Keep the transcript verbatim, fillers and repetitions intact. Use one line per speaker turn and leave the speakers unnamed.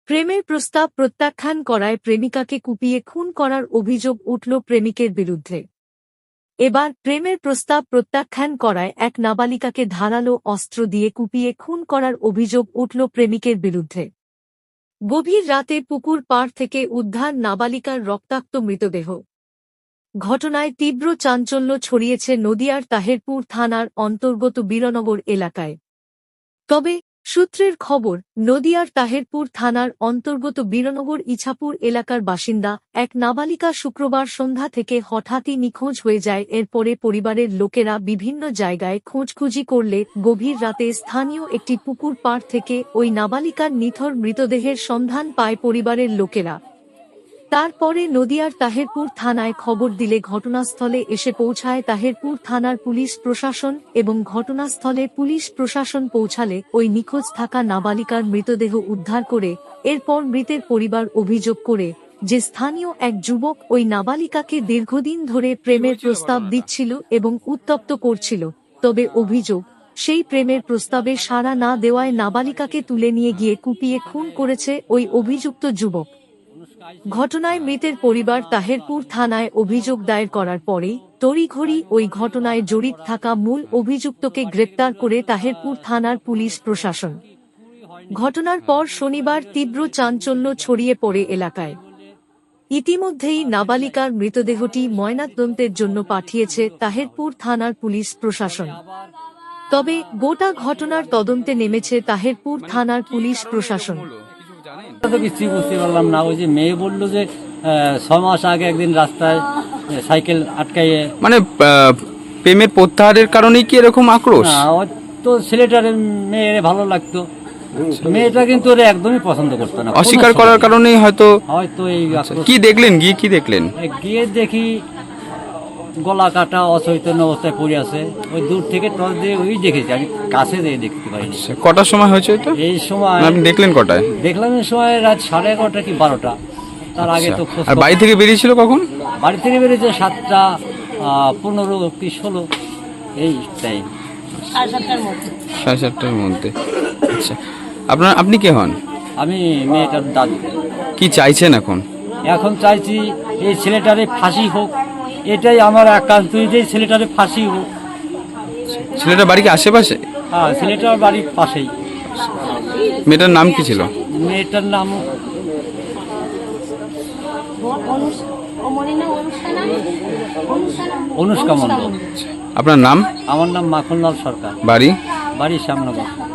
প্রেমের প্রস্তাব প্রত্যাখ্যান করায় প্রেমিকাকে কুপিয়ে খুন করার অভিযোগ উঠল প্রেমিকের বিরুদ্ধে। এবার প্রেমের প্রস্তাব প্রত্যাখ্যান করায় এক নাবালিকাকে ধারালো অস্ত্র দিয়ে কুপিয়ে খুন করার অভিযোগ উঠল প্রেমিকের বিরুদ্ধে। গভীর রাতে পুকুর পাড় থেকে উদ্ধার নাবালিকার রক্তাক্ত মৃতদেহ। ঘটনায় তীব্র চাঞ্চল্য ছড়িয়েছে নদিয়ার তাহেরপুর থানার অন্তর্গত বীরনগর এলাকায়। তবে সূত্রের খবর, নদিয়ার তাহেরপুর থানার অন্তর্গত বীরনগর ইছাপুর এলাকার বাসিন্দা এক নাবালিকা শুক্রবার সন্ধ্যা থেকে হঠাৎই নিখোঁজ হয়ে যায়। এরপরে পরিবারের লোকেরা বিভিন্ন জায়গায় খোঁজখুঁজি করলে গভীর রাতে স্থানীয় একটি পুকুর পাড় থেকে ওই নাবালিকার নিথর মৃতদেহের সন্ধান পায় পরিবারের লোকেরা। তারপরে নদিয়ার তাহেরপুর থানায় খবর দিলে ঘটনাস্থলে এসে পৌঁছায় তাহেরপুর থানার পুলিশ প্রশাসন এবং ঘটনাস্থলে পুলিশ প্রশাসন পৌঁছালে ওই নিখোঁজ থাকা নাবালিকার মৃতদেহ উদ্ধার করে এরপর মৃতের পরিবার অভিযোগ করে যে স্থানীয় এক যুবক ওই নাবালিকাকে দীর্ঘদিন ধরে প্রেমের প্রস্তাব দিচ্ছিল এবং উত্তপ্ত করছিল। তবে অভিযোগ, সেই প্রেমের প্রস্তাবে সাড়া না দেওয়ায় নাবালিকাকে তুলে নিয়ে গিয়ে কুপিয়ে খুন করেছে ওই অভিযুক্ত যুবক। ঘটনায় মৃতের পরিবার তাহেরপুর থানায় অভিযোগ দায়ের করার পরেই তড়িঘড়ি ওই ঘটনায় জড়িত থাকা মূল অভিযুক্তকে গ্রেপ্তার করে তাহেরপুর থানার পুলিশ প্রশাসন। ঘটনার পর শনিবার তীব্র চাঞ্চল্য ছড়িয়ে পড়ে এলাকায়। ইতিমধ্যেই নাবালিকার মৃতদেহটি ময়নাতদন্তের জন্য পাঠিয়েছে তাহেরপুর থানার পুলিশ প্রশাসন। তবে গোটা ঘটনার তদন্তে নেমেছে তাহেরপুর থানার পুলিশ প্রশাসন।
তো কিছুই বুঝতে পারলাম না। ওই যে মেয়ে বললো যে ছয় মাস আগে একদিন রাস্তায় সাইকেল আটকাইয়ে,
মানে প্রেমের প্রত্যাহারের কারণেই কি এরকম আক্রোশ?
না, তো ছেলেটার মেয়ের ভালো লাগতো, মেয়েটা কিন্তু ওরা একদমই পছন্দ করতো না।
অস্বীকার করার কারণেই হয়তো
হয়তো এই
কি দেখলেন, গিয়ে কি দেখলেন?
গিয়ে দেখি গলা কাটা অচৈতন্য অবস্থায় পড়ে আছে। ওই দূর থেকে টর্চ দিয়ে ওই দেখেছি, আমি কাছে দিয়ে দেখতে পাইনি।
কটার সময় হয়েছে এটা?
এই সময়
আপনি দেখলেন কটায়?
দেখলাম এই সময় রাত সাড়ে এগারোটা কি বারোটা। তার আগে তো খোঁজ।
আর বাড়ি থেকে বেরিয়েছিল কখন?
বাড়ি থেকে বেরিয়েছে সাতটা পনেরো কি ষোলো এই টাইম,
সাড়ে সাতটার মধ্যে।
সাড়ে সাতটার মধ্যে। আচ্ছা, আপনার আপনি কে হন?
আমি মেয়েটার দাদু।
কি চাইছেন এখন?
এখন চাইছি এই ছেলেটারে ফাঁসি হোক, এটাই আমার একান্ত, যে ছেলেটারে ফাঁসি হোক।
ছেলেটার বাড়ি কি আশেপাশে?
হ্যাঁ, ছেলেটার বাড়ির পাশেই।
মেয়েটার নাম কি ছিল?
মেয়েটার নাম অনুষ্কা মণ্ডল।
আপনার নাম?
আমার নাম মাখনলাল সরকার।
বাড়ি?
বাড়ির সামনে।